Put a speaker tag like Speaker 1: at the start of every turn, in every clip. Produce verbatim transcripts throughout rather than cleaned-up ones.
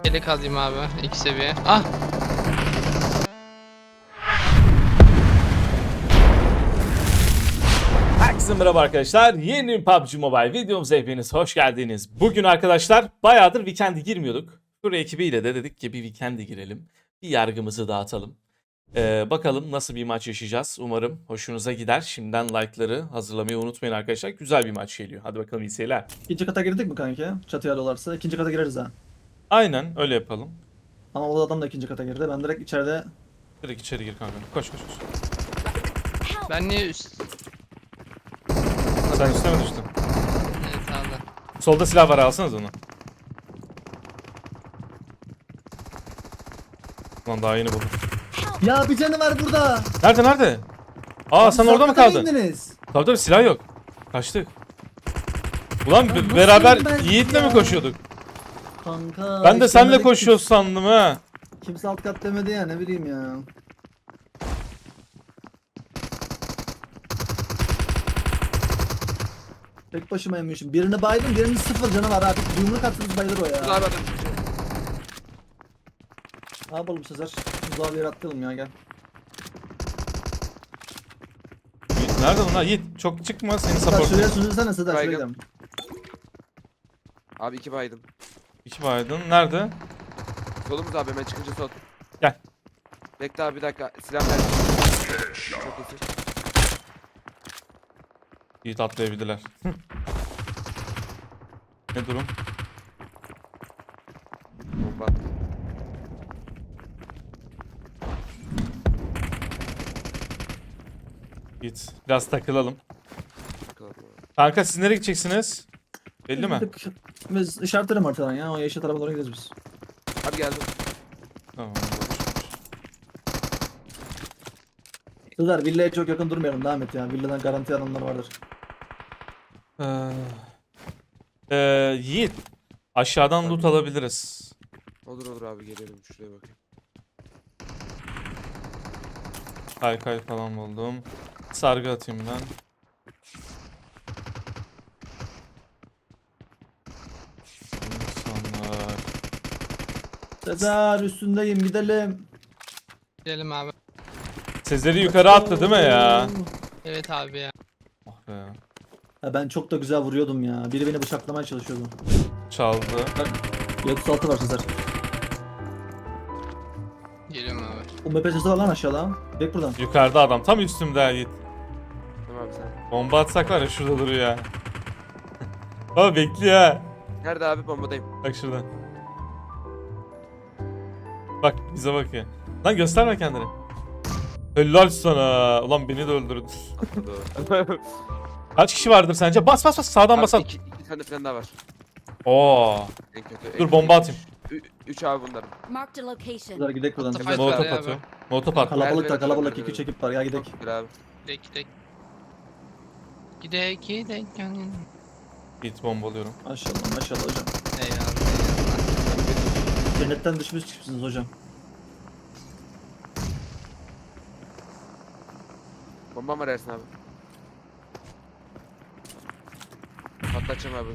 Speaker 1: Yelek alayım abi. İki seviye. Ah!
Speaker 2: Herkese merhaba arkadaşlar. Yeni P U B G Mobile videomuza hepiniz hoş geldiniz. Bugün arkadaşlar bayağıdır Weekend'e girmiyorduk. Fur ekibiyle de dedik ki bir Weekend'e girelim. Bir yargımızı dağıtalım. Ee, bakalım nasıl bir maç yaşayacağız. Umarım hoşunuza gider. Şimdiden like'ları hazırlamayı unutmayın arkadaşlar. Güzel bir maç geliyor. Hadi bakalım iyi seyirler.
Speaker 3: İkinci kata girdik mi kanki? Çatıya alıyorlarsa ikinci kata gireriz ha.
Speaker 2: Aynen öyle yapalım.
Speaker 3: Ama o adam da ikinci kata girdi. Ben direkt içeride
Speaker 2: Direkt içeri gir kanka. Koş koş koş.
Speaker 1: Ben niye üst...
Speaker 2: Sen üstüne mi düştün?
Speaker 1: Evet abi.
Speaker 2: Solda silah var, alsanız onu. Lan daha yeni buldum.
Speaker 3: Ya bir canı var burada.
Speaker 2: Nerede nerede? Aa sen orada mı
Speaker 3: Kata
Speaker 2: kaldın?
Speaker 3: indiniz?
Speaker 2: Tabii tabii silah yok. Kaçtık. Ulan
Speaker 3: Ya
Speaker 2: be-
Speaker 3: nasıl
Speaker 2: beraber
Speaker 3: ben
Speaker 2: Yiğit'le
Speaker 3: ya?
Speaker 2: mi koşuyorduk?
Speaker 3: Kanka.
Speaker 2: Ben de
Speaker 3: işte
Speaker 2: seninle
Speaker 3: dedik,
Speaker 2: koşuyoruz sandım ha.
Speaker 3: Kimse alt kat demedi ya, ne bileyim ya. Tek başıma yemişim. Birini baydım, birinin sıfır canı var abi. Bir yumruk atsanız bayılır o ya.
Speaker 1: Abi
Speaker 3: Ne yapalım Sezer? Uzağa bir yere atlayalım ya, gel.
Speaker 2: Yiğit nerede bunlar? Yiğit çok çıkma, seni
Speaker 3: Sezer
Speaker 2: support.
Speaker 3: şuraya süzülsene Sezer, şuraya
Speaker 4: Baygın.
Speaker 3: gidelim.
Speaker 4: Abi iki baydın.
Speaker 2: İki baydın. Nerede?
Speaker 4: Solumuz abi hemen çıkınca sol.
Speaker 2: Gel.
Speaker 4: Bekle abi bir dakika. Silah ver. Çok iyisin.
Speaker 2: Yiğit atlayabildiler. Ne durum?
Speaker 4: Bomba.
Speaker 2: Yiğit biraz takılalım.
Speaker 4: Bakalım abi.
Speaker 2: Kanka siz nereye gideceksiniz? Belli mi?
Speaker 3: Biz işaretlerim haritadan ya, o yeşil tarafa doğru gideriz biz.
Speaker 4: Abi geldim.
Speaker 2: Tamam.
Speaker 3: Sezer villaya çok yakın durmayalım, devam et ya. Villadan garanti adamlar vardır.
Speaker 2: Ee, ee, Yiğit aşağıdan loot alabiliriz.
Speaker 4: Olur olur abi gelelim şuraya bakayım.
Speaker 2: Kaykay falan buldum. Sargı atayım ben. İnsanlar.
Speaker 3: Sezer üstündeyim, gidelim.
Speaker 1: gidelim abi.
Speaker 2: Sezer'i yukarı attı değil mi ya?
Speaker 1: Evet abi ya.
Speaker 2: Oh be.
Speaker 3: Ya ben çok da güzel vuruyordum ya. Biri beni bıçaklamaya çalışıyordu.
Speaker 2: Çaldı.
Speaker 3: Y otuz altı var Sezer.
Speaker 1: Geliyorum abi.
Speaker 3: O M P sesi var lan aşağıda. Bek buradan.
Speaker 2: Yukarıda adam tam üstümde Yiğit.
Speaker 4: Tamam abi sen.
Speaker 2: Bomba atsak var ya, şurada duruyor ya. Baba bekliyor ha.
Speaker 4: Nerede abi bombadayım.
Speaker 2: Bak şuradan. Bak bize bakıyor. Lan gösterme kendini. Helal sana. Ulan beni de öldürdün.
Speaker 4: Atladı.
Speaker 2: Kaç kişi vardır sence? Bas bas bas, sağdan
Speaker 4: Abi
Speaker 2: basalım.
Speaker 4: iki, iki tane falan daha var.
Speaker 2: Oo.
Speaker 4: En kötü.
Speaker 2: Dur
Speaker 4: en
Speaker 2: bomba
Speaker 4: kötü.
Speaker 2: atayım.
Speaker 4: Ü- üç abi bunların.
Speaker 5: Marked a location.
Speaker 3: Sezer gidelim buradan.
Speaker 1: Atla
Speaker 3: Sezer.
Speaker 1: fayda.
Speaker 2: Molotof
Speaker 1: Hadi abi.
Speaker 2: atıyorum. Molotof at.
Speaker 3: Kalabalık da
Speaker 4: Merdiven
Speaker 3: kalabalık
Speaker 4: aşağı,
Speaker 3: iki ekip var ya, gidelim.
Speaker 4: Gel abi.
Speaker 1: Gidek gidek. Gidek gidek. Yani.
Speaker 2: Git bombalıyorum.
Speaker 3: Maşallah maşallah hocam.
Speaker 1: Eyvallah eyvallah.
Speaker 3: Cennetten düşmüş çıkmışsınız hocam.
Speaker 4: Bombam var Ersin abi. Patlatacağım abi.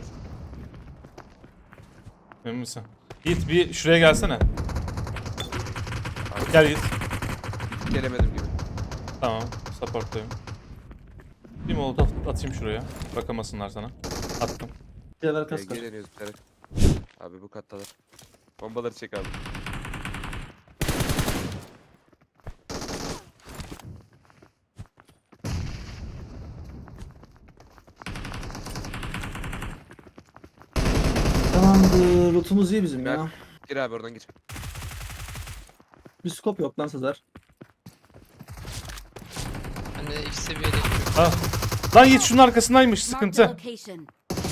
Speaker 2: Emin misin? Git bir şuraya gelsene. Gel git.
Speaker 4: Gelemedim gibi.
Speaker 2: Tamam. Support'tayım. Bir molotof atayım şuraya. Bakamasınlar sana. Attım.
Speaker 3: Diğer
Speaker 4: Gel,
Speaker 3: kas var.
Speaker 4: geleniyoruz direkt. Abi bu kattalar. Bombaları çek abi.
Speaker 3: Tamamdır. Lootumuz iyi bizim ya.
Speaker 4: Gir abi oradan gir.
Speaker 3: Bir scope yok lan Sezer.
Speaker 1: Ben de iki seviyede.
Speaker 2: Ha. Lan Yiğit şunun arkasındaymış,
Speaker 5: Marked a
Speaker 2: sıkıntı.
Speaker 5: location.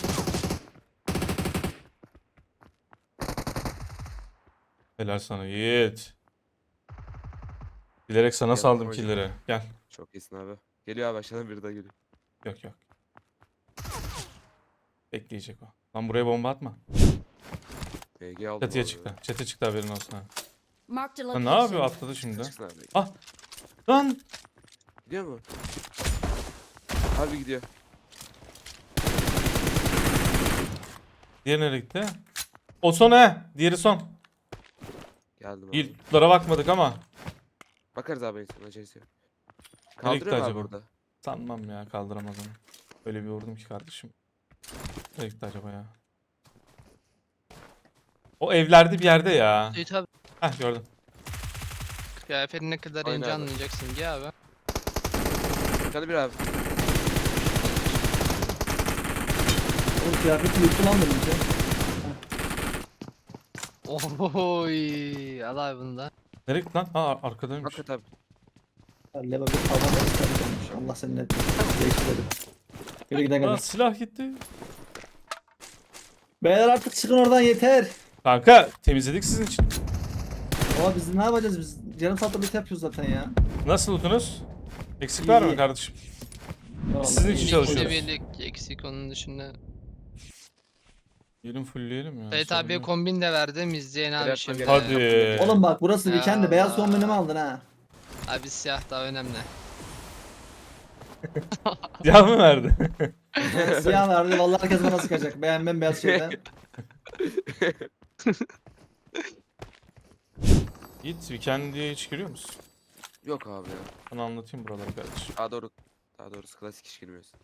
Speaker 2: Helal sana Yiğit. Bilerek sana
Speaker 4: Gel,
Speaker 2: saldım
Speaker 4: hocam.
Speaker 2: killleri. Gel.
Speaker 4: Çok iyisin abi. Geliyor abi aşağıdan biri daha geliyor.
Speaker 2: Yok yok. Bekleyecek o. Lan buraya bomba atma.
Speaker 4: B G aldım.
Speaker 2: Çatıya
Speaker 4: abi.
Speaker 2: çıktı. Çatı çıktı, haberin olsun ha.
Speaker 5: Marked a
Speaker 2: Lan
Speaker 5: location.
Speaker 2: ne yapıyor, atladı şimdi.
Speaker 4: Çıksın abi.
Speaker 2: Ah. Lan.
Speaker 4: Gidiyor mu? Abi gidiyor.
Speaker 2: Diğeri nereye gitti? O son he. Diğeri son.
Speaker 4: Geldim abi.
Speaker 2: İlklere bakmadık ama.
Speaker 4: Bakarız abi en son acelesi yok.
Speaker 2: Nereye gitti
Speaker 4: Kaldırıyor mu abi
Speaker 2: acaba?
Speaker 4: burada?
Speaker 2: Sanmam ya, kaldıramaz onu. Öyle bir vurdum ki kardeşim. Nereye gitti acaba ya? O evlerde bir yerde ya.
Speaker 1: Seyit abi
Speaker 2: Heh, gördüm.
Speaker 1: kıyafetin ne kadar
Speaker 4: Aynen
Speaker 1: ince
Speaker 4: abi.
Speaker 1: anlayacaksın gel abi.
Speaker 4: Hadi bir abi.
Speaker 3: Oğlum kıyafeti yırtı lan benimki.
Speaker 1: Ohoy al abi bunu da.
Speaker 2: Nereye gitti lan? Ha, arkadaymış.
Speaker 4: Hakikaten abi.
Speaker 3: Ya Leva bir tavan olmuş. Allah senin etmesin. Değiştirelim. Yürü gidelim.
Speaker 2: Aa, silah gitti.
Speaker 3: Beyler artık çıkın oradan yeter.
Speaker 2: Kanka temizledik sizin için.
Speaker 3: Ama biz ne yapacağız biz? Yarım saatte bir yapıyoruz zaten ya.
Speaker 2: Nasıl lootunuz? Eksik var mı
Speaker 3: İyi.
Speaker 2: kardeşim?
Speaker 3: Vallahi
Speaker 2: Sizin için
Speaker 3: iyi.
Speaker 1: İki
Speaker 2: çalışıyoruz.
Speaker 1: seviyelik eksik onun dışında.
Speaker 2: Gelin fullleyelim ya.
Speaker 1: Seyit
Speaker 2: sorun
Speaker 1: abiye
Speaker 2: yok.
Speaker 1: kombin de verdim izleyen abi
Speaker 4: Evet,
Speaker 1: şimdi.
Speaker 2: Hadi.
Speaker 3: Oğlum bak burası
Speaker 1: Ya
Speaker 3: weekend'de beyaz
Speaker 1: Allah.
Speaker 3: kombini mi aldın ha?
Speaker 1: Abi siyah daha önemli.
Speaker 2: Siyah mı verdi?
Speaker 3: Siyah verdi vallahi herkes bana sıkacak. Beğen ben beyaz şeyden.
Speaker 2: Git weekend'e hiç giriyor musun?
Speaker 4: Yok abi ya.
Speaker 2: Sana anlatayım buraları kardeşim.
Speaker 4: Daha doğru. Daha doğrusu klasik iş girmiyoruz.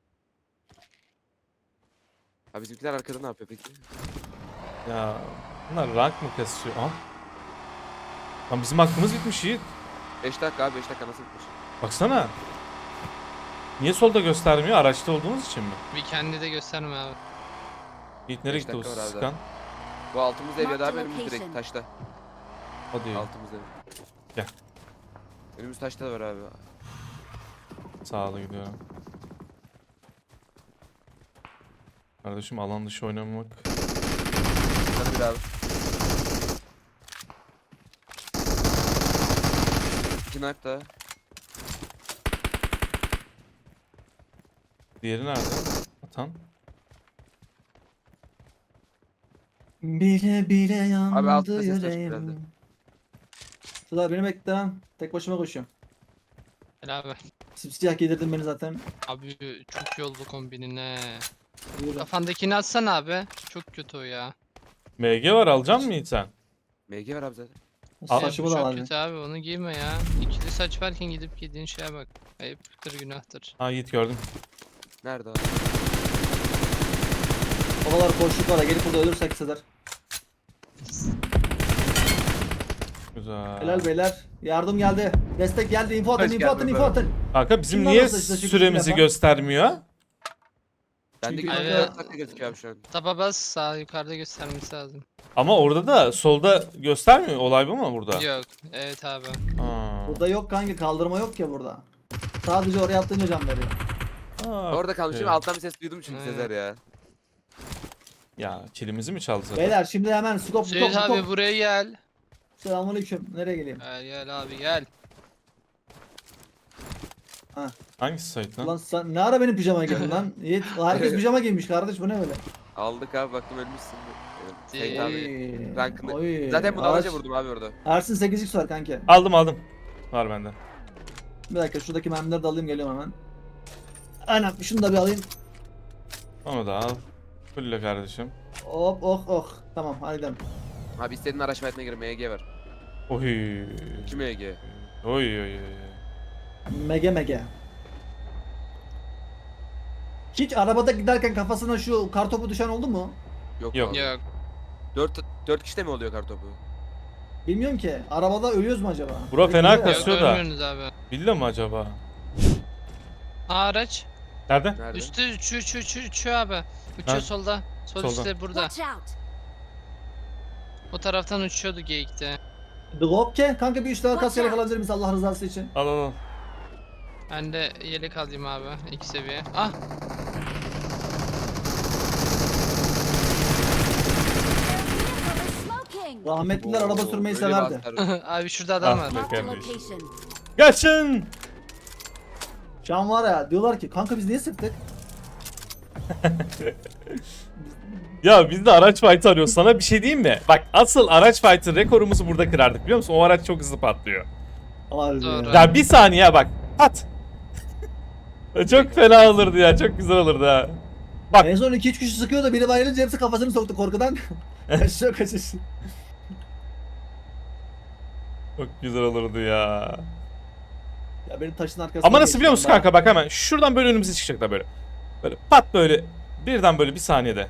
Speaker 4: Abi bizimkiler arkada ne yapıyor peki?
Speaker 2: Ya bunlar rank mı kasıyor? Aha. Lan bizim hakkımız bitmiş Yiğit.
Speaker 4: beş dakika abi beş dakika nasıl bitmiş?
Speaker 2: Baksana. Niye solda göstermiyor? Araçta olduğumuz için mi?
Speaker 1: Bir kendi de gösterme abi.
Speaker 2: Yiğit nereye
Speaker 4: Beş
Speaker 2: gitti o
Speaker 4: dakika var abi
Speaker 2: sıkan?
Speaker 4: Bu altımız ev ya da abi
Speaker 5: Marked
Speaker 4: önümüz direkt
Speaker 5: location.
Speaker 4: taşta.
Speaker 2: Hadi.
Speaker 4: Altımız ev.
Speaker 2: Gel.
Speaker 4: Önümüz taşta da var abi.
Speaker 2: Sağlı gidiyorum. Kardeşim alan dışı oynamak.
Speaker 4: Hadi bir abi. İki nak da.
Speaker 2: Diğeri nerede? Atan.
Speaker 3: Bile bile yandı
Speaker 4: Abi altta ses açık
Speaker 3: yüreğim.
Speaker 4: herhalde.
Speaker 3: Sıla beni bekle lan. Tek başıma koşuyorum.
Speaker 1: Gel abi.
Speaker 3: Simsiyah giydirdin beni zaten.
Speaker 1: Abi çok iyi oldu kombinine.
Speaker 3: Yürü.
Speaker 1: Kafandakini atsana abi. Çok kötü o ya.
Speaker 2: M G var, alacak mısın Yiğit sen?
Speaker 4: M G var abi zaten.
Speaker 2: Al.
Speaker 3: Saçımı
Speaker 1: Bu
Speaker 3: da
Speaker 1: çok
Speaker 3: var.
Speaker 1: kötü abi onu giyme ya. İkili saç varken gidip giydiğin şeye bak. Ayıptır günahtır.
Speaker 2: Ha Yiğit gördüm.
Speaker 4: Nerede abi?
Speaker 3: O kadar koştuk var ya gelip burada ölürsek Sezer.
Speaker 2: Güzel.
Speaker 3: Helal beyler. Yardım geldi. Destek geldi. Info atın,
Speaker 4: Hoş
Speaker 3: info atın,
Speaker 4: geldin
Speaker 3: info
Speaker 4: abi.
Speaker 3: atın.
Speaker 2: Kanka bizim
Speaker 3: Kimler
Speaker 2: niye
Speaker 3: olsa işte şu
Speaker 2: süremizi
Speaker 3: yapan?
Speaker 2: göstermiyor?
Speaker 4: Bendeki
Speaker 3: Çünkü-
Speaker 4: kanka dört dakika gözüküyor abi şu an.
Speaker 1: Taba bas sağ yukarıda göstermesi lazım.
Speaker 2: Ama orada da solda göstermiyor. Olay bu mu burada?
Speaker 1: Yok. Evet abi.
Speaker 2: Ha.
Speaker 3: Burada yok kanka kaldırma yok ya burada. Sadece oraya attığınca can veriyor.
Speaker 2: Ha,
Speaker 4: Orada kalmışım
Speaker 2: okey.
Speaker 4: alttan bir ses duydum çünkü
Speaker 1: Aynen.
Speaker 4: Sezer ya.
Speaker 2: Ya kilimizi mi çaldı zaten?
Speaker 3: Beyler şimdi hemen skop skop
Speaker 1: Seyit abi
Speaker 3: skop.
Speaker 1: buraya gel.
Speaker 3: Selamünaleyküm. Nereye geleyim?
Speaker 1: Gel gel abi gel.
Speaker 2: Hangisi Sait lan?
Speaker 3: Lan sen ne ara benim pijama giydin lan? Yiğit herkes pijama giymiş kardeş bu ne böyle?
Speaker 4: Aldık abi baktım ölmüşsün. Evet, Seyit
Speaker 1: Ee,
Speaker 4: abi.
Speaker 3: Oy,
Speaker 4: rankını-
Speaker 3: oy.
Speaker 4: Zaten bunu
Speaker 3: Araç-
Speaker 4: alaca vurdum abi orada.
Speaker 3: Ersin sekiz x var kanka.
Speaker 2: Aldım aldım. Var bende.
Speaker 3: Bir dakika şuradaki mermileri de alayım geliyorum hemen. Aynen şunu da bir alayım.
Speaker 2: Onu da al. Fulle kardeşim.
Speaker 3: Hop oh oh. Tamam hadi gidelim.
Speaker 4: Abi istediğin araç fiyatına göre M G var.
Speaker 2: Oy.
Speaker 4: iki M G.
Speaker 2: Oy oy oy.
Speaker 3: Mege mege. Hiç arabada giderken kafasına şu kartopu düşen oldu mu?
Speaker 4: Yok,
Speaker 2: Yok.
Speaker 4: abi.
Speaker 1: Yok.
Speaker 4: Dört, dört kişide mi oluyor kartopu?
Speaker 3: Bilmiyorum ki. Arabada ölüyoruz mu acaba?
Speaker 2: Bura fena
Speaker 3: Bekle.
Speaker 2: kas-
Speaker 1: Yok
Speaker 2: Kasıyor da.
Speaker 1: ölmüyorsunuz abi.
Speaker 2: Bildi mi acaba?
Speaker 1: Aa, araç.
Speaker 2: Nerede?
Speaker 4: Nerede?
Speaker 1: Üstü uçuyor uçuyor uçuyor uçuyor abi. Uçuyor
Speaker 2: Ha.
Speaker 1: solda. Sol
Speaker 2: Solda.
Speaker 1: üstte burada.
Speaker 5: Watch out!
Speaker 1: O taraftan uçuyordu geyikte.
Speaker 3: Drop kanka bir üç tane
Speaker 5: Watch
Speaker 3: kas yelek
Speaker 5: out.
Speaker 3: alabilir miyiz Allah rızası için?
Speaker 2: Al al al.
Speaker 1: Ben de yelek alayım abi. İki seviye. Ah.
Speaker 5: Smoking!
Speaker 3: Rahmetliler araba
Speaker 4: Oo,
Speaker 3: sürmeyi
Speaker 4: böyle bir
Speaker 3: severdi.
Speaker 4: asker-
Speaker 1: Abi şurada adam
Speaker 2: Ah
Speaker 1: var.
Speaker 2: be.
Speaker 5: Marked a
Speaker 2: kardeşim.
Speaker 5: location.
Speaker 2: Kaçın!
Speaker 3: Şu an var ya diyorlar ki kanka biz niye sıktık?
Speaker 2: Ya biz de araç fight arıyoruz. Sana bir şey diyeyim mi? Bak asıl araç fight'ın rekorumuzu burada kırardık biliyor musun? O araç çok hızlı patlıyor.
Speaker 3: Harbi
Speaker 1: Doğru.
Speaker 3: ya.
Speaker 2: Ya bir saniye bak. Pat. Çok fena olurdu ya. Çok güzel olurdu ha. Bak.
Speaker 3: En son iki üç kişi sıkıyor da biri bayılınca hepsi kafasını soktu korkudan. Kaçıyor kaçış.
Speaker 2: Çok güzel olurdu ya.
Speaker 3: Ya benim taşın arkasına
Speaker 2: Ama nasıl
Speaker 3: geçti
Speaker 2: biliyor musun
Speaker 3: ben.
Speaker 2: kanka, bak hemen şuradan böyle önümüze çıkacaklar böyle. Böyle pat böyle birden böyle bir saniyede.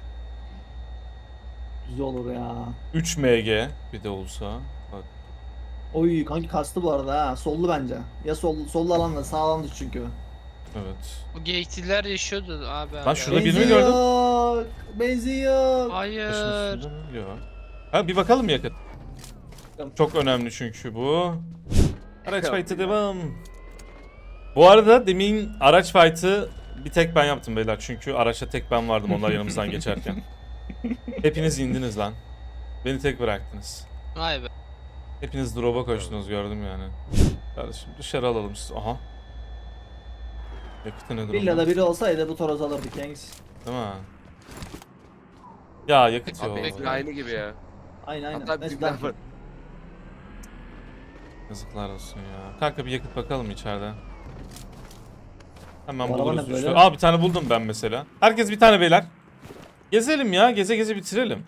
Speaker 3: Güzel olur ya.
Speaker 2: üç M G bir de olsa. Bak.
Speaker 3: Oy kanki kastı bu arada ha. Sollu bence. Ya sol, sollu alanda sağ alanda çünkü.
Speaker 2: Evet.
Speaker 1: Bu geyikçiler yaşıyordu abi.
Speaker 2: Lan
Speaker 1: hala.
Speaker 2: şurada
Speaker 3: Benzin
Speaker 2: birini gördüm.
Speaker 3: yok. Benzin yok.
Speaker 1: Hayır.
Speaker 2: Taşın üstünde mi? Yok. Ha bir bakalım mı yakıt? Çok önemli çünkü bu. Araç fight'ı devam. Bu arada demin araç fight'ı bir tek ben yaptım beyler. Çünkü araçta tek ben vardım onlar yanımızdan geçerken. Hepiniz indiniz lan. Beni tek bıraktınız.
Speaker 1: Vay be.
Speaker 2: Hepiniz drop'a koştunuz gördüm yani. Kardeşim dışarı alalım siz. Aha. Yakıtı ne durumda?
Speaker 3: Villada biri olsaydı bu toros alırdık Yanks.
Speaker 2: Değil mi? Ya yakıt yok.
Speaker 1: Abi,
Speaker 4: Pek aynı gibi ya.
Speaker 3: Aynen aynen.
Speaker 4: Hatta
Speaker 3: Neyse,
Speaker 4: büyükler
Speaker 3: ben-
Speaker 4: var.
Speaker 2: Yazıklar olsun ya. Kanka bir yakıt bakalım içeride. Hemen
Speaker 3: Bu araba
Speaker 2: buluruz
Speaker 3: ne
Speaker 2: işte.
Speaker 3: böyle?
Speaker 2: Aa bir tane buldum ben mesela. Herkes bir tane beyler. Gezelim ya. Geze geze bitirelim.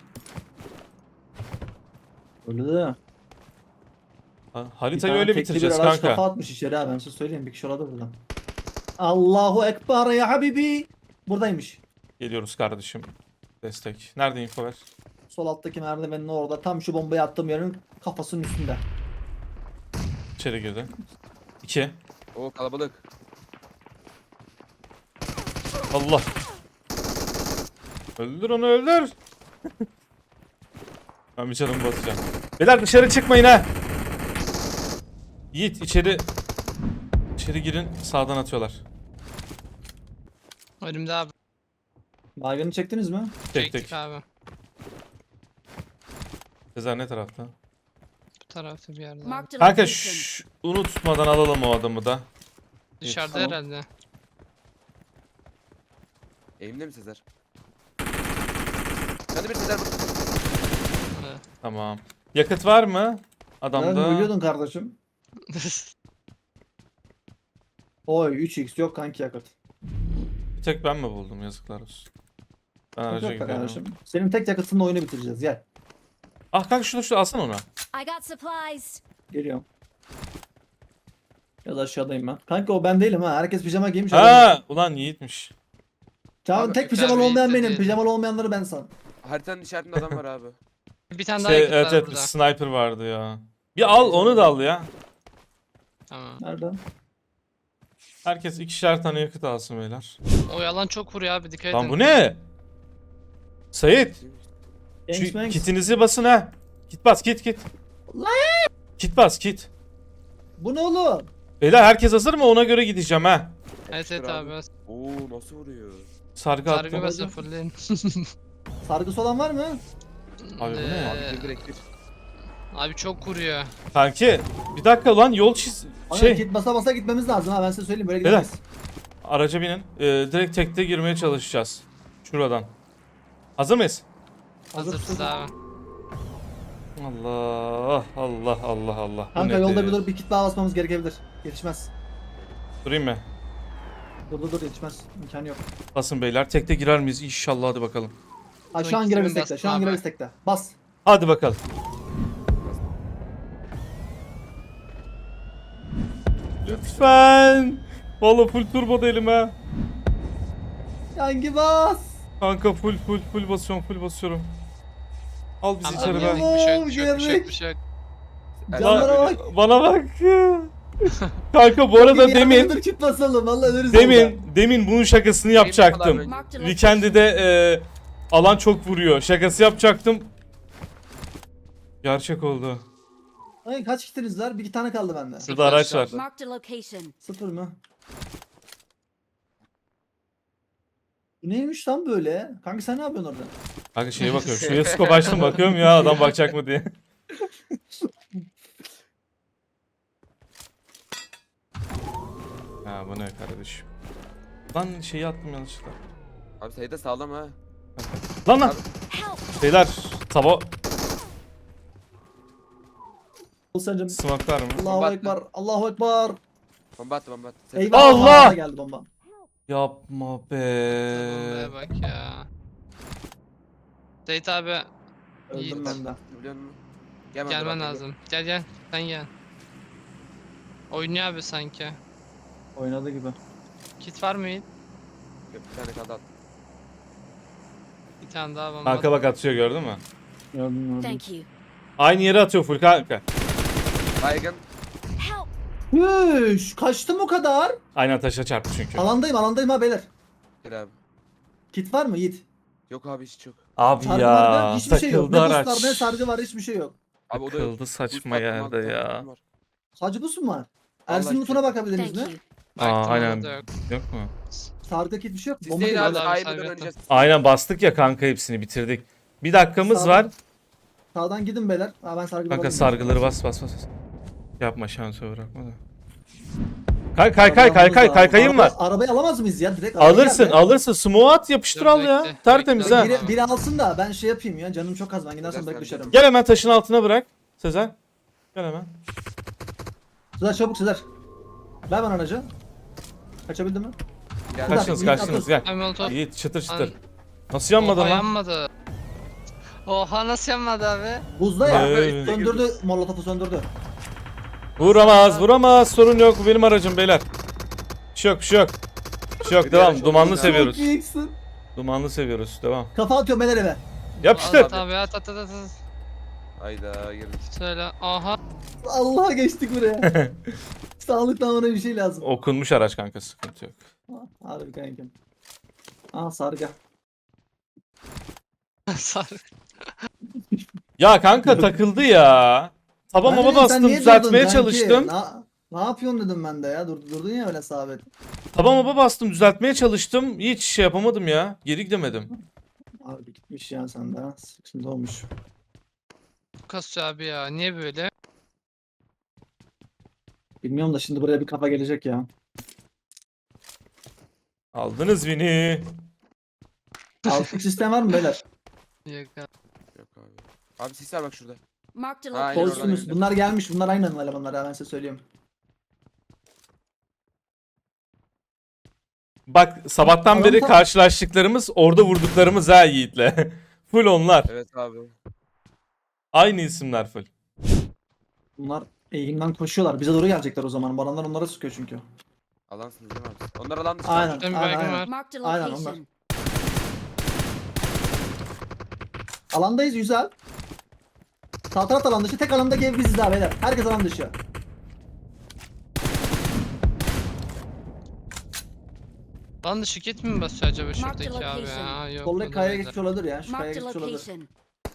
Speaker 3: Öyle de.
Speaker 2: Ha,
Speaker 3: Bir
Speaker 2: haritayı
Speaker 3: tane
Speaker 2: öyle
Speaker 3: tekli
Speaker 2: bitireceğiz
Speaker 3: bir araç
Speaker 2: kanka.
Speaker 3: kafa atmış içeri ha ben size söyleyeyim bir kişi orada burada. Allahu Ekber ya habibi. Buradaymış.
Speaker 2: Geliyoruz kardeşim. Destek. Nerede info ver?
Speaker 3: Sol alttaki merdivenin orada tam şu bombayı attığım yerin kafasının üstünde.
Speaker 2: İçeri girdi. İki.
Speaker 4: Oo kalabalık.
Speaker 2: Allah. Öldür onu öldür. Ben bir canımı basacağım. Beyler dışarı çıkmayın ha. Yiğit içeri. İçeri girin sağdan atıyorlar.
Speaker 1: Önümde abi.
Speaker 3: Baygını çektiniz mi?
Speaker 2: Tek
Speaker 1: Çektik
Speaker 2: tek.
Speaker 1: abi.
Speaker 2: Sezer ne tarafta?
Speaker 1: Bu tarafta bir yerde. abi.
Speaker 5: Marked a
Speaker 2: Kanka
Speaker 5: location.
Speaker 2: şş, unutmadan alalım o adamı da.
Speaker 1: Dışarıda
Speaker 3: Tamam.
Speaker 1: herhalde.
Speaker 4: Elimde mi Sezer? Hadi bir Sezer.
Speaker 1: Evet.
Speaker 2: Tamam. Yakıt var mı?
Speaker 3: Ben
Speaker 2: Adamda.
Speaker 3: biliyordun kardeşim. Oy üç x yok kanki yakıt.
Speaker 2: Bir tek ben mi buldum yazıklar olsun. Ben
Speaker 3: Yok
Speaker 2: araca
Speaker 3: be
Speaker 2: gidiyorum.
Speaker 3: kardeşim. Senin tek yakıtınla oyunu bitireceğiz gel.
Speaker 2: Ah kanka şunu şunu alsana onu.
Speaker 5: I got supplies.
Speaker 3: Geliyorum. Biraz aşağıdayım ben. Kanka o ben değilim ha. Herkes pijama giymiş.
Speaker 2: Ha, ulan Yiğit'miş.
Speaker 3: Çağın
Speaker 4: Abi,
Speaker 3: tek
Speaker 1: bir
Speaker 3: pijamalı
Speaker 1: tane
Speaker 3: olmayan
Speaker 1: Yiğit'te
Speaker 3: benim.
Speaker 1: değil.
Speaker 3: Pijamalı olmayanları ben san.
Speaker 4: Haritanın işaretinde adam var abi.
Speaker 1: Bir tane daha
Speaker 2: Şey,
Speaker 1: yakıt
Speaker 2: evet
Speaker 1: var
Speaker 2: evet
Speaker 1: burada.
Speaker 2: sniper vardı ya. Bir al onu da al ya.
Speaker 1: Tamam.
Speaker 3: Nerede?
Speaker 2: Herkes ikişer tane yakıt alsın beyler.
Speaker 1: O yalan çok vuruyor abi dikkat edin.
Speaker 2: Lan bu ne? Sait.
Speaker 3: Yanks
Speaker 2: Şu
Speaker 3: Manks.
Speaker 2: kitinizi basın ha. Kit bas kit kit. Kit bas kit.
Speaker 3: Bu ne oğlum?
Speaker 2: Beyler herkes hazır mı? Ona göre gideceğim ha.
Speaker 1: Evet evet abi.
Speaker 4: Oo nasıl vuruyor?
Speaker 2: Sargı
Speaker 1: Sargı
Speaker 2: attım.
Speaker 1: basa fırlayın.
Speaker 3: Sargısı olan var mı?
Speaker 2: Abi bu ne?
Speaker 1: Ee,
Speaker 4: Abi bir direkt bir.
Speaker 1: Abi çok vuruyor.
Speaker 2: Kanki bir dakika lan yol çiz...
Speaker 3: Şey.
Speaker 2: Şey
Speaker 3: Git basa basa gitmemiz lazım ha ben size söyleyeyim böyle
Speaker 2: Beyler.
Speaker 3: gidemeyiz.
Speaker 2: araca binin. Ee, direkt tekte girmeye çalışacağız. Şuradan. Hazır mıyız?
Speaker 1: Hazırsız abi.
Speaker 2: Allah Allah Allah Allah. Bu
Speaker 3: Kanka
Speaker 2: nedir?
Speaker 3: yolda bir dur bir kit daha basmamız gerekebilir. Yetişmez.
Speaker 2: Durayım mı?
Speaker 3: Dur dur dur yetişmez. İmkanı yok.
Speaker 2: Basın beyler. Tekte girer miyiz? İnşallah hadi bakalım.
Speaker 3: Ha şu an
Speaker 1: Son
Speaker 3: gireriz
Speaker 1: ikisini
Speaker 3: tekte. Şu an
Speaker 1: bastım
Speaker 3: gireriz
Speaker 1: abi.
Speaker 3: tekte. Bas.
Speaker 2: Hadi bakalım. Lütfen. Vallahi full turbo değilim ha.
Speaker 3: Hangi bas?
Speaker 2: Kanka full full full basıyorum full basıyorum. Al bizi
Speaker 1: Tamam,
Speaker 2: içeri
Speaker 1: abi,
Speaker 2: be.
Speaker 1: bir şey yok, bir şey yok, bir şey yok,
Speaker 3: Geldik.
Speaker 1: bir şey yok.
Speaker 3: Canlara bak.
Speaker 2: Bana bak. Kanka bu arada
Speaker 3: Bir
Speaker 2: demin
Speaker 3: dur kit basalım. Vallahi ölürüz orada.
Speaker 2: demin demin bunun şakasını yapacaktım.
Speaker 5: Marked a
Speaker 2: Weekend'de de e, alan çok vuruyor. Şakası yapacaktım. Gerçek oldu.
Speaker 3: Ay, kaç kitiniz var? Bir iki tane kaldı bende.
Speaker 2: Şurada araç var.
Speaker 5: Marked a location.
Speaker 3: Sıfır mı? Bu neymiş lan böyle? Kanka sen ne yapıyorsun orada?
Speaker 2: Kanka şeye bakıyorum. Şuraya scope açtım bakıyorum ya adam bakacak mı diye. Ha bu ne kardeşim? Lan şeyi attım yanlışlıkla.
Speaker 4: Abi sayıda sağlam ha.
Speaker 2: Lan lan.
Speaker 5: Help.
Speaker 2: Beyler tava
Speaker 3: Olsancım.
Speaker 2: smoke'lar mı?
Speaker 3: Allahu
Speaker 4: Bomba
Speaker 3: Ekber. Allahu Ekber.
Speaker 4: Bomba attı bomba attı. Sezer.
Speaker 3: Eyvah.
Speaker 2: Allah!
Speaker 3: bana geldi bomba.
Speaker 2: Yapma be.
Speaker 1: Bombaya bak ya. Seyit abi
Speaker 3: Öldüm
Speaker 1: Yiğit.
Speaker 3: ben de.
Speaker 4: Biliyor musun? Gel ben
Speaker 1: gelmen
Speaker 4: bırakayım.
Speaker 1: lazım. Gel gel. Sen gel. Oynuyor abi sanki.
Speaker 3: Oynadı gibi.
Speaker 1: Kit var mı Yiğit?
Speaker 4: Yok, bir tane kaldı at.
Speaker 1: Bir tane daha bomba.
Speaker 2: Kanka bak atıyor gördün mü?
Speaker 3: Gördüm gördüm.
Speaker 5: Thank you.
Speaker 2: Aynı yere atıyor full kanka.
Speaker 4: Baygın.
Speaker 5: Help!
Speaker 3: Hüş, kaçtım o kadar.
Speaker 2: Aynen taşa çarptı çünkü.
Speaker 3: Alandayım alandayım ha beyler.
Speaker 4: Gel abi.
Speaker 3: Kit var mı Yiğit?
Speaker 4: Yok abi hiç yok.
Speaker 2: Abi
Speaker 3: Sargı var mı?
Speaker 2: ya
Speaker 3: Hiçbir şey yok.
Speaker 2: takıldı
Speaker 3: Ne
Speaker 2: araç.
Speaker 3: boostlar ne sargı var hiçbir şey yok.
Speaker 4: Abi o da yok.
Speaker 2: Takıldı saçma
Speaker 4: Boost
Speaker 2: yerde
Speaker 4: attım,
Speaker 2: ya.
Speaker 4: attım, var.
Speaker 3: Sadece bu mu var?
Speaker 4: Vallahi
Speaker 3: Ersin
Speaker 4: hiç
Speaker 3: Mutlu'na
Speaker 4: yok.
Speaker 3: bakabildiniz
Speaker 5: Thank
Speaker 3: mi?
Speaker 5: you.
Speaker 2: Aa
Speaker 1: Baktım,
Speaker 2: aynen.
Speaker 1: orada da yok.
Speaker 2: Yok mu?
Speaker 3: Sargı kit bir şey yok.
Speaker 4: Siz
Speaker 3: Bomba
Speaker 4: değil
Speaker 3: geliyor.
Speaker 4: abi
Speaker 1: abi,
Speaker 4: ayıbından
Speaker 1: sargı
Speaker 4: önce.
Speaker 2: Aynen bastık ya kanka hepsini bitirdik. Bir dakikamız
Speaker 3: Sağdan-
Speaker 2: var.
Speaker 3: Sağdan gidin beyler. Ha, ben sargı
Speaker 2: Kanka
Speaker 3: alayım.
Speaker 2: sargıları bas bas bas. Yapma şansı bırakma da. Kay kay kay kay kay kay kayım var.
Speaker 3: Araba- Arabayı alamaz mıyız ya direkt? Arabaya
Speaker 2: Alırsın
Speaker 3: gel be.
Speaker 2: alırsın. Smoke at yapıştır
Speaker 1: Dur,
Speaker 2: al ya.
Speaker 1: bekle,
Speaker 2: Tertemiz
Speaker 1: bekle.
Speaker 2: ha.
Speaker 3: Biri, biri alsın da ben şey yapayım ya. Canım çok az ben gidersem
Speaker 4: Güzel,
Speaker 3: belki
Speaker 4: sen
Speaker 3: düşerim.
Speaker 2: Gel hemen taşın altına bırak. Sezer. Gel hemen.
Speaker 3: Sezer çabuk Sezer. Ver bana aracı. Kaçabildin mi?
Speaker 4: Gel.
Speaker 3: Kaç-
Speaker 2: Kaçtınız
Speaker 3: Yiğit
Speaker 2: kaçtınız
Speaker 3: atıl.
Speaker 2: gel.
Speaker 1: Ay molotov.
Speaker 2: Yiğit çıtır çıtır.
Speaker 1: An-
Speaker 2: Nasıl yanmadın
Speaker 1: Oha
Speaker 2: lan?
Speaker 1: yanmadı. Oha nasıl yanmadı abi?
Speaker 3: Buzda ya.
Speaker 2: Ee.
Speaker 3: Söndürdü. Molotofu söndürdü.
Speaker 2: Vuramaz vuramaz sorun yok bu benim aracım beyler. Bir şey yok bir şey yok. Bir şey yok
Speaker 4: Bir
Speaker 2: devam
Speaker 4: araç
Speaker 2: dumanlı
Speaker 4: oldu ya.
Speaker 2: seviyoruz.
Speaker 3: Çok iyisin.
Speaker 2: Dumanlı seviyoruz devam.
Speaker 3: Kafa atıyorum beyler eve.
Speaker 2: Yapıştır.
Speaker 1: At abi at at at at.
Speaker 4: Hayda girdik.
Speaker 1: Söyle. Aha.
Speaker 3: Allah'a geçtik buraya. Sağlıktan bana bir şey lazım.
Speaker 2: Okunmuş araç kanka sıkıntı yok.
Speaker 3: Harbi kankim. Aa sargı.
Speaker 1: Sar.
Speaker 2: Ya kanka takıldı ya. Taba
Speaker 3: Ben de
Speaker 2: maba
Speaker 3: dedim, sen
Speaker 2: bastım
Speaker 3: niye
Speaker 2: düzeltmeye
Speaker 3: durdun kanki?
Speaker 2: çalıştım.
Speaker 3: Na- ne yapıyorsun dedim ben de ya. Dur, durdun ya öyle sabit.
Speaker 2: Taba maba bastım düzeltmeye çalıştım. Hiç şey yapamadım ya. Geri gidemedim.
Speaker 3: Abi gitmiş ya sende. ha. Sıkıntı olmuş.
Speaker 1: Kasıyor abi ya. Niye böyle?
Speaker 3: Bilmiyorum da şimdi buraya bir kafa gelecek ya.
Speaker 2: Aldınız beni.
Speaker 3: Altlık sistem var mı beyler?
Speaker 1: Yok abi.
Speaker 4: Yok abi. Abi sis var bak şurada.
Speaker 5: Marked a
Speaker 4: Aynen
Speaker 5: location.
Speaker 4: oradan
Speaker 3: Kolsumuz.
Speaker 4: geldi.
Speaker 3: Bunlar gelmiş. Bunlar aynı elemanlar ya ben size söyleyeyim.
Speaker 2: Bak sabahtan
Speaker 3: Adam
Speaker 2: beri
Speaker 3: tam-
Speaker 2: karşılaştıklarımız orada vurduklarımız ha Yiğit'le. Full onlar.
Speaker 4: Evet abi.
Speaker 2: Aynı isimler full.
Speaker 3: Bunlar eğimden koşuyorlar. Bize doğru gelecekler o zaman. Bu adamlar onlara sıkıyor çünkü.
Speaker 4: Alansınız değil mi abi? Onlar alan dışı.
Speaker 3: Aynen.
Speaker 1: Şuradan bir
Speaker 3: Aynen,
Speaker 1: baygın
Speaker 3: aynen.
Speaker 1: var.
Speaker 5: Marked a
Speaker 3: Aynen,
Speaker 5: location.
Speaker 3: Alandayız güzel. Sağ taraf alan dışı. Tek alandaki ev biziz daha beyler. Herkes alan dışı.
Speaker 1: Lan dışı kit mi basıyor acaba
Speaker 5: Marked
Speaker 1: şuradaki abi
Speaker 5: location.
Speaker 1: ya? Yok.
Speaker 3: Soldaki
Speaker 1: o da
Speaker 3: kayaya
Speaker 1: öyle.
Speaker 3: geçmiş olabilir ya. Şu kayaya
Speaker 5: Marked a
Speaker 3: geçmiş olabilir.
Speaker 5: location.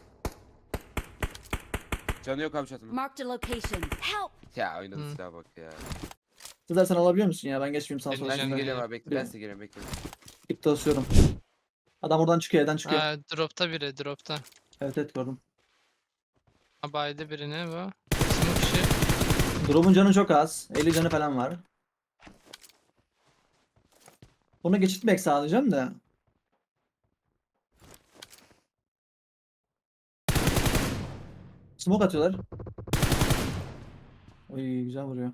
Speaker 4: Canı yok abi çatının.
Speaker 5: Marked a location. Help!
Speaker 4: Ya oynadı
Speaker 1: Hı.
Speaker 4: silaha bak ya.
Speaker 3: Sizler sen alabiliyor musun ya? Ben geçmeyeyim sağa sola.
Speaker 1: Ben
Speaker 4: Ben
Speaker 1: Şimdi-
Speaker 4: geliyorum abi bekle. Ben size geliyorum bekle.
Speaker 3: İpte asıyorum. Adam oradan çıkıyor, evden çıkıyor.
Speaker 1: Ha, dropta biri dropta.
Speaker 3: Evet evet gördüm.
Speaker 1: Ha, baydı birini bu. Smoke işi.
Speaker 3: Drop'un canı çok az. elli canı falan var. Bunu geçitmek sağlayacağım da. Smoke atıyorlar. Oy güzel vuruyor.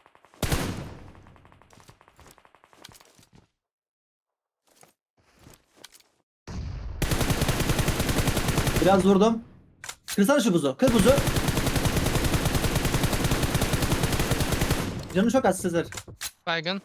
Speaker 3: Biraz vurdum. Kırsana şu buzu. Kır buzu. Canı çok az Sezer.
Speaker 1: Baygın.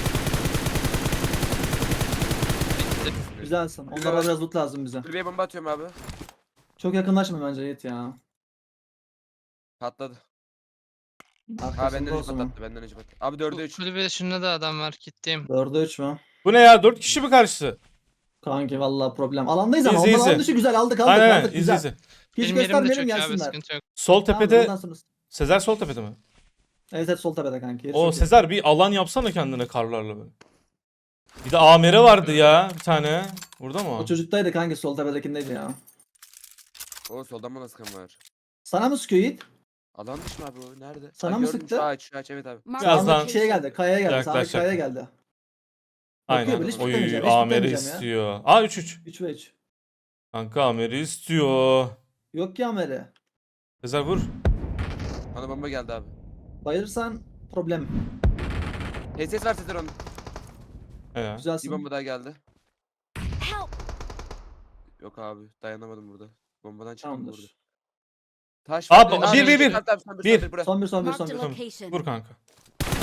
Speaker 1: Bitti.
Speaker 3: Güzelsin. Onlara biraz loot lazım bize.
Speaker 4: Kulübeye bomba atıyorum abi.
Speaker 3: Çok yakınlaşma bence Yiğit ya.
Speaker 4: Patladı. Ha
Speaker 3: Arkasında
Speaker 4: benden önce
Speaker 3: olsun.
Speaker 4: patlattı. Benden önce patlattı. Abi dörde üç.
Speaker 1: Kulübede şunda da adam var gittim.
Speaker 3: dörde üç mü?
Speaker 2: Bu ne ya? Dört kişi mi karşısı?
Speaker 3: Kanki vallahi problem. Alandayız ama.
Speaker 2: İzle,
Speaker 3: Onlar
Speaker 2: izle.
Speaker 3: alan dışı güzel aldık aldık
Speaker 2: Aynen
Speaker 3: aldık
Speaker 2: aynen izle
Speaker 3: güzel.
Speaker 2: izle.
Speaker 3: Hiç
Speaker 1: Benim yerim de
Speaker 3: göstermeyelim
Speaker 1: çok iyi abi
Speaker 3: gelsinler.
Speaker 1: sıkıntı yok.
Speaker 2: Sol
Speaker 3: Tamam,
Speaker 2: tepede
Speaker 3: buradan sonra-
Speaker 2: Sezer sol tepede mi?
Speaker 3: Evet evet sol tepede kanki. Yeri
Speaker 2: O
Speaker 3: çok iyi.
Speaker 2: Sezer bir alan yapsana kendine karlarla böyle. Bir de A M R vardı ya bir tane. Burada mı o?
Speaker 3: O çocuktaydı kanki sol tepedekindeydi ya.
Speaker 4: O soldan bana sıkan var.
Speaker 3: Sana mı sıkıyor Yiğit?
Speaker 4: Alan dışı mı abi o? Nerede?
Speaker 3: Sana
Speaker 4: Aa,
Speaker 3: mı
Speaker 4: gördüm,
Speaker 3: sıktı?
Speaker 4: Şu ağaç şu ağaç evet abi.
Speaker 5: Marked a
Speaker 2: Birazdan-
Speaker 3: Sağdaki şeye
Speaker 5: location.
Speaker 3: geldi. Kayaya geldi. Sağdaki
Speaker 2: Yaklaşacak.
Speaker 3: kayaya geldi.
Speaker 2: Aynen.
Speaker 3: Bakıyor, hiç
Speaker 2: Oy
Speaker 3: tutamayacağım, hiç
Speaker 2: A M R
Speaker 3: tutamayacağım ya.
Speaker 2: istiyor. Aa üç üç.
Speaker 3: üç ve üç.
Speaker 2: Kanka A M R istiyor.
Speaker 3: Yok ya Meri.
Speaker 2: Sezer vur.
Speaker 4: Bana bomba geldi abi.
Speaker 3: Bayılırsan problem.
Speaker 4: H S S var Sezer onun.
Speaker 2: He ya.
Speaker 4: Bir
Speaker 3: Güzelsin.
Speaker 4: bomba daha geldi.
Speaker 5: Help!
Speaker 4: Yok abi dayanamadım burada. Bombadan çıktım
Speaker 3: Tamamdır.
Speaker 4: burada. Taş
Speaker 2: Abi,
Speaker 4: var.
Speaker 2: bir, bir, bir.
Speaker 4: Tamam, tamam,
Speaker 2: Bir.
Speaker 4: buraya.
Speaker 3: Son bir son bir son
Speaker 5: Marked
Speaker 3: bir.
Speaker 5: a
Speaker 3: Son.
Speaker 5: location.
Speaker 2: Vur kanka.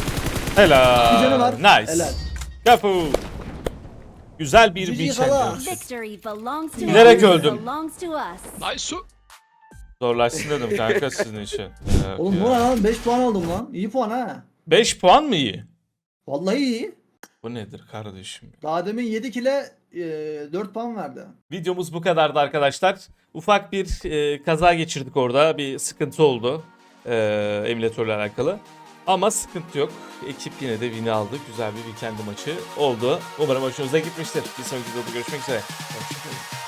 Speaker 2: Helal.
Speaker 3: Bir canı var.
Speaker 2: Nice.
Speaker 3: Helal.
Speaker 2: Kapu. Güzel bir
Speaker 3: G G
Speaker 2: weekend.
Speaker 3: kala.
Speaker 2: görüntüsü.
Speaker 5: Victory belongs to
Speaker 2: Bilerek
Speaker 5: us.
Speaker 2: öldüm.
Speaker 5: Belongs to us.
Speaker 1: Nice su.
Speaker 2: Zorlaşsın dedim kanka sizin için. Evet
Speaker 3: Oğlum
Speaker 2: ya.
Speaker 3: bu ne lan? beş puan aldım lan. İyi puan ha.
Speaker 2: beş puan mı iyi?
Speaker 3: Vallahi iyi.
Speaker 2: Bu nedir kardeşim?
Speaker 3: Daha demin yedi kile e, dört puan verdi.
Speaker 2: Videomuz bu kadardı arkadaşlar. Ufak bir e, kaza geçirdik orada. Bir sıkıntı oldu. E, emülatörle alakalı. Ama sıkıntı yok. Ekip yine de win'i aldı. Güzel bir weekend maçı oldu. Umarım hoşunuza gitmiştir. Bir sonraki videoda görüşmek üzere. Hoşçakalın.